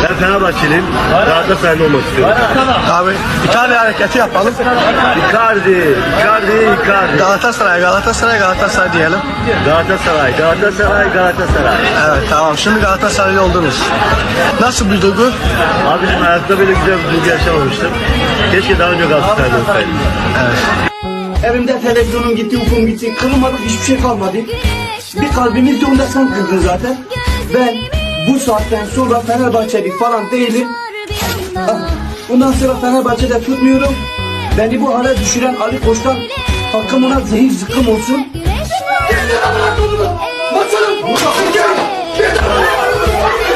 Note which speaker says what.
Speaker 1: Ben Fenerbahçeliyim. Galatasaraylı olmak istiyorum.
Speaker 2: Abi İtalya hareketi yapalım.
Speaker 1: Icardi.
Speaker 2: Galatasaray diyelim.
Speaker 1: Galatasaray.
Speaker 2: Evet tamam, şimdi Galatasaraylı oldunuz. Nasıl bir duygu?
Speaker 1: Abicim hayatta böyle güzel bir duygu yaşamamıştım. Keşke daha önce Galatasaraylı olsaydım.
Speaker 3: Evimde televizyonum gitti, ufum gitti, kırılmadık hiçbir şey kalmadı. Bir kalbimiz de onda sen kırdın zaten. Ben bu saatten sonra Fenerbahçeli falan değilim. Bundan sonra Fenerbahçe'de tutmuyorum. Beni bu hale düşüren Ali Koç'tan hakkım ona zehir zıkkım olsun. Basalım!